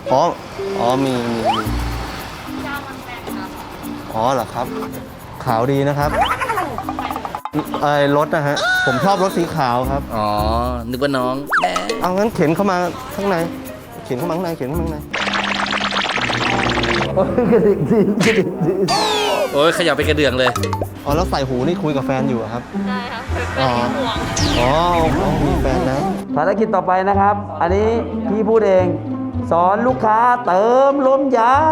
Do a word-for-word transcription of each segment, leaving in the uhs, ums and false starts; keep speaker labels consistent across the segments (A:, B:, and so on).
A: อ๋ออ๋อมีมีมีอ๋อเหรอครับขาวดีนะครับไอ้รถนะฮะผมชอบรถสีขาวครับ
B: อ๋อนึกว่าน้องแม่
A: เอางั้นเข็นเข้ามาข้างในเข็นเข้ามาข้างในเข็นเข้ามาข้างในกระดิกดีกระดิกดี
B: โอ้ยขยับไปกระเดื่องเลย
A: อ๋อแล้วใส่หูนี่คุยกับแฟนอยู่ครับ
C: ได้ครับแฟ
A: อ๋อ
C: นห่วง
A: อ๋อมีแฟนนะ
D: ภารกิจต่อไปนะครับ อันนี้พี่พูดเอง สอนลูกค้าเติมลมยาง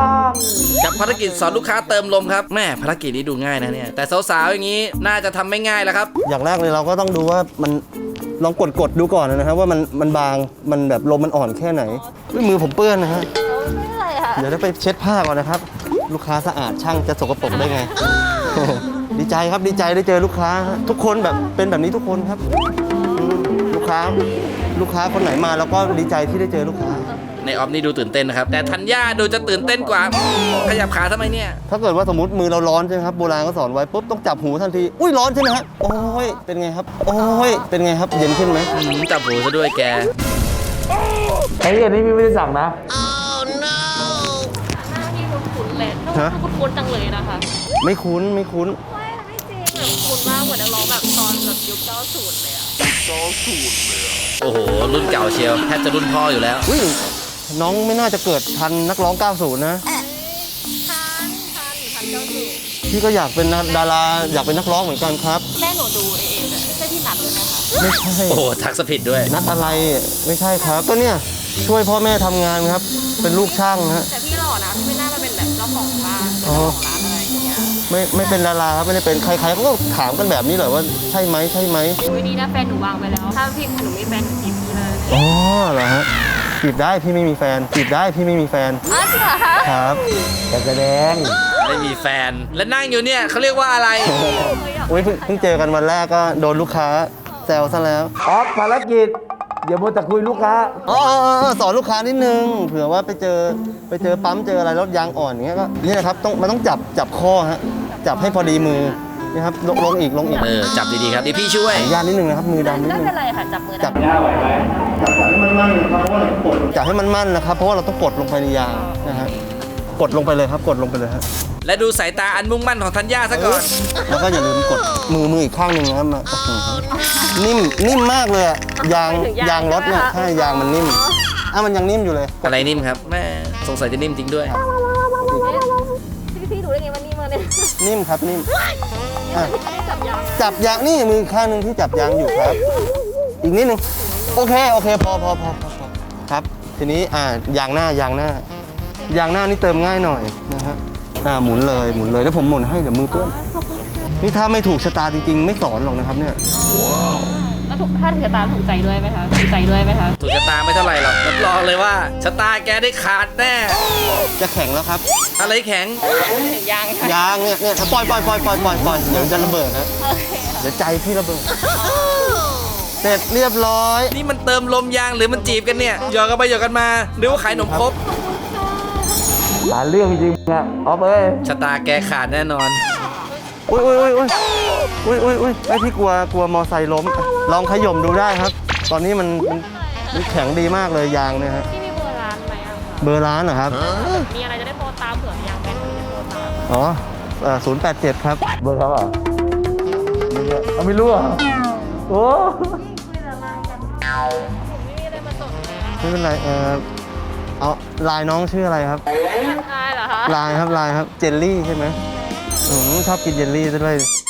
B: กับภารกิจสอนลูกค้าเติมลมครับแม่ภารกิจนี้ดูง่ายนะเนี่ยแต่สาวๆอย่างนี้น่าจะทำไม่ง่ายแล้วครับ
A: อย่างแรกเลยเราก็ต้องดูว่ามันลองกดกดดูก่อนนะครับว่ามันมันบางมันแบบลมมันอ่อนแค่ไหนมือผมเปื้อนนะฮะ
C: ไม่เป็นไรค่ะ
A: เดี๋ยวได้ไปเช็ดผ้าก่อนนะครับลูกค้าสะอาดช่างจะสกปรกได้ไง ดีใจครับดีใจได้เจอลูกค้าทุกคนแบบเป็นแบบนี้ทุกคนครับลูกค้าลูกค้าคนไหนมาแล้วก็ดีใจที่ได้เจอลูกค้า
B: ในออฟนี่ดูตื่นเต้นนะครับแต่ธัญญาดูจะตื่นเต้นกว่าขยับขาทำไมเนี่ย
A: ถ้าเกิดว่าสมมติมือเราร้อนใช่ไหมครับโบราณก็สอนไว้ปุ๊บต้องจับหูทันทีอุ้ยร้อนใช่ไหมฮะโอ้ยเป็นไงครับโอ้ยเป็นไงครับเย็นขึ้นไหม
B: จับหูซะด้วยแก
D: ไอ้อันนี้พี่ไม่ได้สั่งนะ
C: หน้าที่คุ้นๆเลยถ้าคุ้นๆจังเลยนะคะ
A: ไม่คุ้นไม่คุ้น
C: ไม่ไม่จริงแบบคุ้นมากเหมือนนักร้องแบบตอนแบบยุคเก้าสิบเลยอะเก้าสิบเลยอะ
B: โอ้โหรุ่นเก่าเชียวแทบจะรุ่นพ่ออยู่แล้ว
A: อุ้ยน้องไม่น่าจะเกิดทันนักร้องเก้าสิบนะ
C: ทันทันทันเก้าสิบ
A: พี่ก็อยากเป็นดาราอยากเป็นนักร้องเหมือนกันครับ
C: แม่หนูดูเองไม่ใช่ที่นัดเลยนะคะ
A: ไม่ใช่
B: โอ้ทักสผิดด้วย
A: นัดอะไรไม่ใช่ครับก็เนี่ยช่วยพ่อแม่ทำงานครับเป็นลูกช่างฮะ
C: แต่พี่หล่อนะพี่ไม่น่ามาเป็นแบบเจ้าของบ้านเจ้าของร้านอะไรอย่างเงี้ย
A: ไม่ไม่เป็นดาราครับไม่ได้เป็นใครๆเขาก็ถามกันแบบนี้เลยว่าใช่ไหมใช่ไหม
C: ไม่ดีนะแฟนหนูวางไปแล้วถ้าพี่หนูมีแฟนจีบพี่เลย
A: อ๋อเหรอฮะจีบได้พี่ไม่มีแฟนจีบได้พี่ไม่มีแฟน
C: อ๋อจริงเหรอคะ
A: ครับ
D: แต่แสดง
B: ไม่มีแฟนและนั่งอยู่เนี่ยเขาเรียกว่าอะไร
A: อุ้ยเพิ่งเจอกันวันแรกก็โดนลูกค้าแซวซะแล้ว
D: ออฟภารกิจอย่ามัวแต่คุยลูกค้า
A: อ๋อสอนลูกค้านิดนึงเผื่อว่าไปเจอไปเจอปั๊มเจออะไรรถยางอ่อนอย่างเงี้ยก็นี่นะครับต้องมันต้องจับจับข้อฮะจับให้พอดีมือนี่ครับลงลงอีกลงอีก
B: เออจับดีๆครับเดี๋ยวพี่ช่วย
A: ย่านนิดนึงนะครับมือดำนิดนึง
C: ไม่เป็นไรค่ะจับมือ
A: จับย่าไหวไหมจับให้มันมั่นนะครับเพราะว่าเรากดจับให้มันมั่นนะครับเพราะว่าเราต้องกดลงไปในยางนะฮะกดลงไปเลยครับกดลงไปเลยฮะ
B: และดูสายตาอันมุ่งมั่นของธัญญาซะก่อน
A: แล้วก็อย่าลืมกดมือมืออีกข้างหนึ่งนะครับมานิ่มนิ่มมากเลยยางยางรถเนี่ยใช่ยางมันนิ่มอ่ะมันยังนิ่มอยู่เลย
B: อะไรนิ่มครับแม่สงสัยจะนิ่มจริงด้วย
C: พี่พี่ดูได้ไงว่านิ่มมาเนี่ย
A: นิ่มครับนิ่มจับยางนี่มือข้างหนึ่งที่จับยางอยู่ครับอีกนิดนึงโอเคโอเคพอพอพอพอครับทีนี้อ่ายางหน้ายางหน้ายางหน้านี่เติมง่ายหน่อยนะฮะอ่าหมุนเลยหมุนเลยแล้วผมหมุนให้เดี๋ยวมือเปื้อนนี่ถ้าไม่ถูกชะตาจริงๆไม่สอนหรอกนะครับเนี่ย
C: แล้วถูกถ้าถูกชะตาถูกใจด้วยไหมคะถูกใจด้วยไหมคะ
B: ถูกชะตาไม่เท่าไหร่หรอกรับรองเลยว่าชะตาแกได้ขาดแน่
A: จะแข็งแล้วครับ
B: อะไรแข็ง
C: ยาง
A: ยางเนี่ยเนี่ยปล่อยปล่อยปล่อยปล่อยปล่อยปล่อยเดี๋ยวจะระเบิดนะเดี๋ยวใจพี่ระเบิดเสร็จเรียบร้อย
B: นี่มันเติมลมยางหรือมันจีบกันเนี่ยหยอกกันไปหยอกกันมาหรือว่าขายขนมครบ
D: หาเรื่องจริงๆอะออฟเอ้ย
B: ชะตาแกขาดแน่นอน
A: อุ้ยอุ้ยอุ้ยอุ้ยอุ้ยอุ้ยอุ้ยไอพี่กลัวกลัวมอไซค์ล้มลองขย่มดูได้ครับตอนนี้มันมันแข็งดีมากเลยยางเนี่ยฮะ
C: พี่มีเบอร์ร้านไหมอ่ะ
A: เบอร์ร้านเหรอครับ
C: มีอะไรจะได้โทรตามเผื่อยางแบนจะโทรตาม
A: อ๋อศูนย์แปดเจ็ดครับ
D: เบอร์เขาเหรอเอาไม่รู้อ่ะโอ้
A: ไม่เป็นไรเออเอาลายน้องชื่ออะไรครับ
C: ลายเหรอคะ
A: ลายครับลายครับเจลลี่ใช่ไหมอืมชอบกินเจลลี่ด้วย